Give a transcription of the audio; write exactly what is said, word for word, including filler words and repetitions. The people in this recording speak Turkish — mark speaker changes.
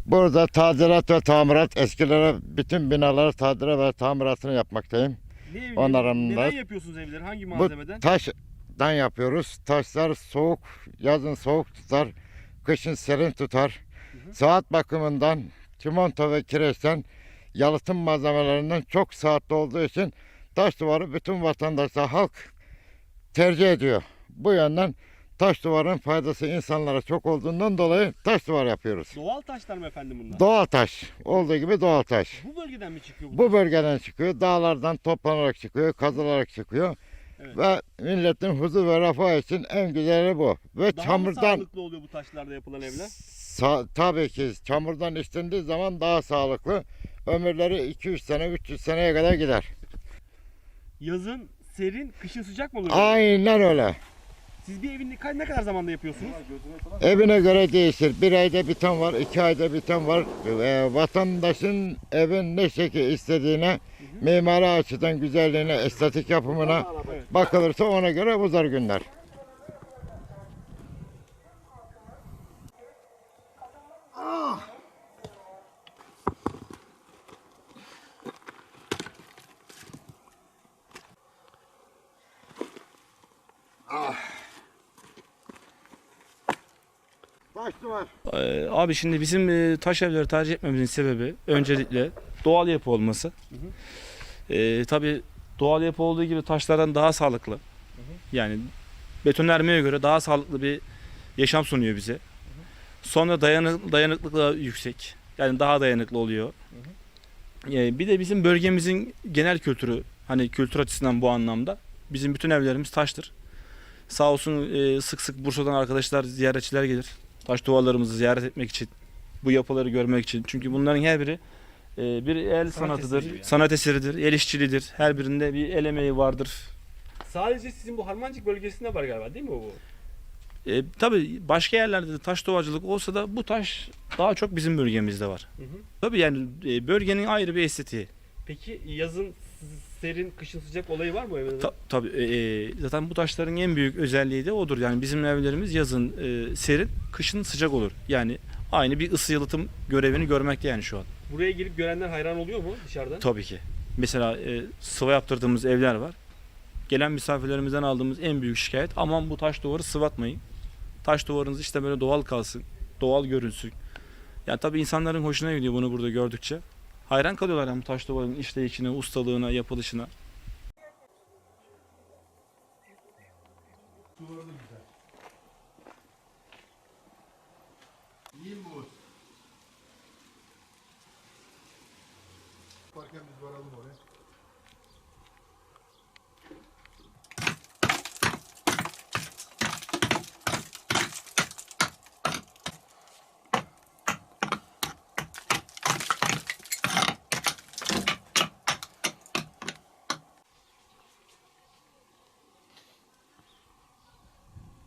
Speaker 1: Burada tadilat ve tamirat, eskilere bütün binaları tadilat ve tamiratını yapmaktayım.
Speaker 2: Ne evleri?
Speaker 1: Onların da
Speaker 2: Neden yapıyorsunuz evleri? Hangi
Speaker 1: bu
Speaker 2: malzemeden?
Speaker 1: taştan yapıyoruz. Taşlar soğuk, yazın soğuk tutar, kışın serin tutar.
Speaker 2: Hı hı.
Speaker 1: Saat bakımından çimento ve kireçten, yalıtım malzemelerinden çok saatli olduğu için taş duvarı bütün vatandaşlar, halk tercih ediyor. Bu yönden taş duvarın faydası insanlara çok olduğundan dolayı taş duvar yapıyoruz.
Speaker 2: Doğal taşlar mı efendim bunlar?
Speaker 1: Doğal taş. Olduğu gibi doğal taş.
Speaker 2: Bu bölgeden mi çıkıyor bu?
Speaker 1: Bu bölgeden çıkıyor. Dağlardan toplanarak çıkıyor. Kazılarak çıkıyor.
Speaker 2: Evet.
Speaker 1: Ve milletin huzur ve refah için en güzeli bu. Ve
Speaker 2: Daha mı
Speaker 1: çamurdan
Speaker 2: sağlıklı oluyor bu taşlarda yapılan evler?
Speaker 1: sa- tabii ki çamurdan işlendiği zaman daha sağlıklı. Ömürleri iki üç sene, üç yüz seneye kadar gider.
Speaker 2: Yazın serin, kışın sıcak mı oluyor?
Speaker 1: Aynen öyle.
Speaker 2: Siz bir evin ne ne kadar zamanda yapıyorsunuz?
Speaker 1: Evine göre değişir. Bir ayda biten var, iki ayda biten var. Ee, vatandaşın evin ne şekil istediğine, mimari açıdan güzelliğine, estetik yapımına
Speaker 2: Evet.
Speaker 1: bakılırsa ona göre uzar günler. Taş duvar.
Speaker 3: Ee, Abi şimdi bizim e, taş evleri tercih etmemizin sebebi öncelikle doğal yapı olması. Ee, tabii doğal yapı olduğu gibi taşlardan daha sağlıklı. Yani betonarmeye göre daha sağlıklı bir yaşam sunuyor bize. Sonra dayanık, dayanıklılığı yüksek. Yani daha dayanıklı oluyor. Ee, bir de bizim bölgemizin genel kültürü, hani kültür açısından bu anlamda bizim bütün evlerimiz taştır. Sağ olsun e, sık sık Bursa'dan arkadaşlar, ziyaretçiler gelir. Taş duvarlarımızı ziyaret etmek için, bu yapıları görmek için. Çünkü bunların her biri e, bir el sanatıdır,
Speaker 2: eseri yani.
Speaker 3: sanat eseridir, el işçiliğidir. Her birinde bir el emeği vardır.
Speaker 2: Sadece sizin bu Harmancık bölgesinde var galiba değil mi bu?
Speaker 3: E, tabii başka yerlerde de taş duvacılık olsa da bu taş daha çok bizim bölgemizde var.
Speaker 2: Hı hı.
Speaker 3: Tabii yani e, bölgenin ayrı bir estetiği.
Speaker 2: Peki yazın serin, kışın sıcak olayı var mı evde?
Speaker 3: Ta, tabii e, zaten bu taşların en büyük özelliği de odur. Yani bizim evlerimiz yazın e, serin, kışın sıcak olur. Yani aynı bir ısı yalıtım görevini görmekte yani şu an.
Speaker 2: Buraya gelip görenler hayran oluyor mu dışarıdan?
Speaker 3: Tabii ki. Mesela e, sıva yaptırdığımız evler var. Gelen misafirlerimizden aldığımız en büyük şikayet, aman bu taş duvarı sıvatmayın. Taş duvarınız işte böyle doğal kalsın, doğal görünsün. Yani tabii insanların hoşuna gidiyor bunu burada gördükçe. Hayran kalıyorlar yani bu taş duvarın işleyişine, ustalığına, yapılışına.
Speaker 4: Duvarı da güzel. İyi mi bu? Yaparken biz varalım oraya.